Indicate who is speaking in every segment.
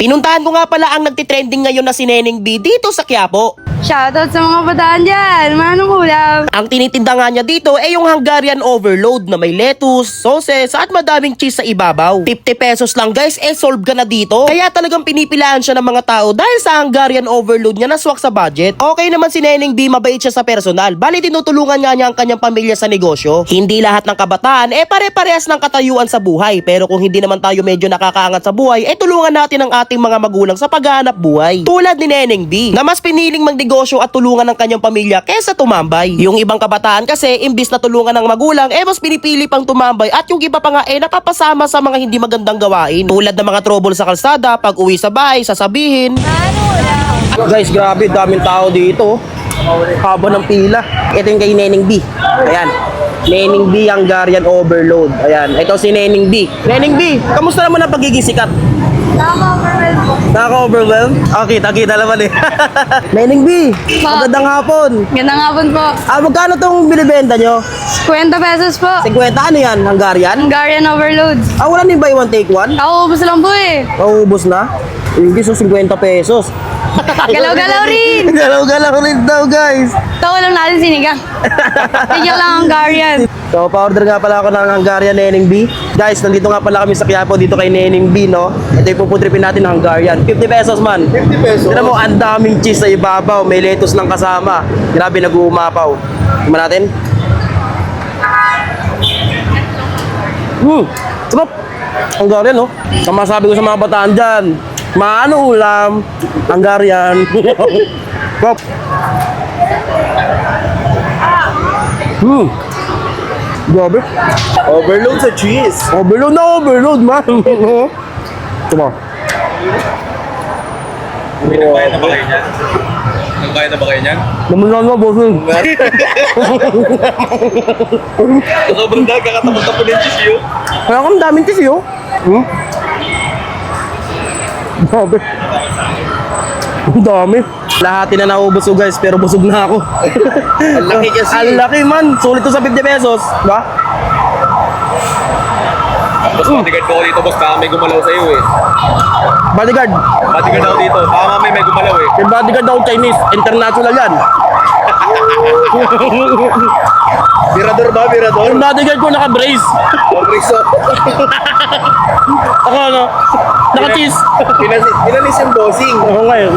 Speaker 1: Pinuntahan ko nga pala ang nagtitrending ngayon na si Neneng B dito sa Quiapo.
Speaker 2: Shoutout sa mga bataan dyan. Manong ulam.
Speaker 1: Ang tinitinda nga niya dito ay yung Hungarian overload na may lettuce, sauces at madaming cheese sa ibabaw. 50 pesos lang guys, solve ka na dito. Kaya talagang pinipilaan siya ng mga tao dahil sa Hungarian overload niya naswak sa budget. Okay naman si Neneng B, mabait siya sa personal. Bali tinutulungan nga niya ang kanyang pamilya sa negosyo. Hindi lahat ng kabataan pare-parehas ng katayuan sa buhay. Pero kung hindi naman tayo medyo nakakaangat sa buhay, tulungan natin ang ating mga magulang sa paghahanap buhay. Tulad ni Neneng B, na mas piniling magnegosyo at tulungan ng kanyang pamilya kesa tumambay. Yung ibang kabataan kasi, imbis na tulungan ng magulang, mas pinipili pang tumambay at yung iba pa nga napapasama sa mga hindi magandang gawain. Tulad ng mga trouble sa kalsada, pag uwi sa bahay, sasabihin. Guys, grabe, daming tao dito. Haba ng pila. Ito yung kay Neneng B. Ayan. Neneng B Hungarian overload. Ayan. Ito si Neneng B. Neneng B, kamusta naman ang pagiging sikat? Nakaka-overwhelm? Okay, kita naman Neneng B, magandang hapon.
Speaker 2: Gandang hapon po.
Speaker 1: Magkano tong binibenta nyo?
Speaker 2: 50 pesos po.
Speaker 1: 50, ano yan? Hungarian?
Speaker 2: Hungarian overload.
Speaker 1: Wala din buy one take one?
Speaker 2: Kauubos lang po eh.
Speaker 1: Maubos na? Hindi, so 50 pesos.
Speaker 2: Galaw-galaw rin.
Speaker 1: Galaw-galaw rin daw, guys.
Speaker 2: Tawa lang natin sinigang. Tigyan lang Hungarian.
Speaker 1: So, pa-order nga pala ako ng Hungarian Neneng B. Guys, nandito nga pala kami sa Quiapo, dito kay Neneng B, no? Ito yung puputripin natin ng Hungarian. 50 pesos man.
Speaker 3: 50 pesos.
Speaker 1: Tignan mo, ang daming cheese sa ibabaw. May lettuce lang kasama. Grabe, nag-uumapaw. Tignan natin. Sarap. Hungarian, no? Kama sabi ko sa mga bataan dyan, maano ulam? Hungarian. Sarap. Grabe.
Speaker 3: Overload sa cheese.
Speaker 1: Overload na overload, man. Diba?
Speaker 3: Nagbayad na ba kayo niyan? Nagbayad na ba kayo niyan?
Speaker 1: Naman na, bossing.
Speaker 3: Sobrang dahil kakatapos-tapos ng cheese yun.
Speaker 1: Kaya kang daming cheese, yo. Grabe. Ang dami. Lahati na naubos ko, guys, pero busog na ako.
Speaker 3: Ang laki kasi.
Speaker 1: Ang laki, man. Sulit to sa 50 pesos. Diba?
Speaker 3: Boss, bodyguard ko dito, boss. Baka may gumalaw sa'yo eh.
Speaker 1: Bodyguard.
Speaker 3: Bodyguard ako dito. Baka mamay may gumalaw eh.
Speaker 1: Yung bodyguard ako Chinese. International yan.
Speaker 3: Mirador ba? Mirador?
Speaker 1: Yung bodyguard ko naka-brace.
Speaker 3: Pag-riso.
Speaker 1: Ako, ano? Naka-cheese.
Speaker 3: Pinanis yung bossing.
Speaker 1: Ako ngayon.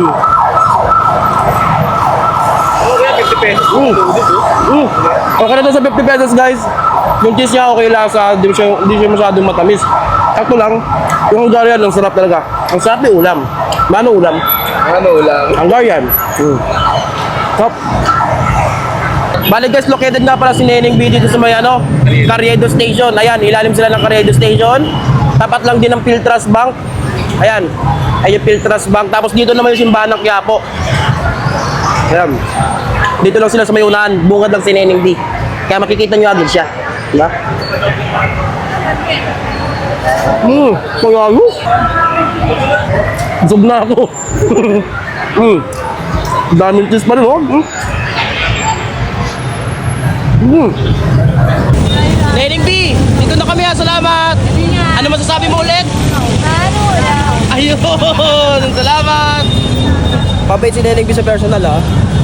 Speaker 3: Oo, kaya 50 pesos.
Speaker 1: Okay na to sa 50 pesos, guys. Yung cheese niya okay lang sa hindi siya masyadong matamis. Sakto lang. Yung Hungarian, ang sarap talaga. Ang sarap ng ulam. Mano ulam?
Speaker 3: Ano lang?
Speaker 1: Hungarian. Top. Balik guys, located nga pala si Neneng B dito sa may Carriedo Station. Ayan, ilalim sila ng Carriedo Station. Tapat lang din ng Philtras Bank. Ayan. Ay yung Philtras Bank. Tapos dito naman yung simbahan ng Quiapo. Ayan. Dito lang sila sa may unahan. Bungad lang si Neneng B. Kaya makikita nyo agad siya. Diba? Kaya ano? Busog na ako. Daming cheese pa rin, oh. Neneng B, dito na kami ha. Salamat. Ano masasabi mo ulit? Ayun, salamat. Pabait si Neneng B sa personal, ha.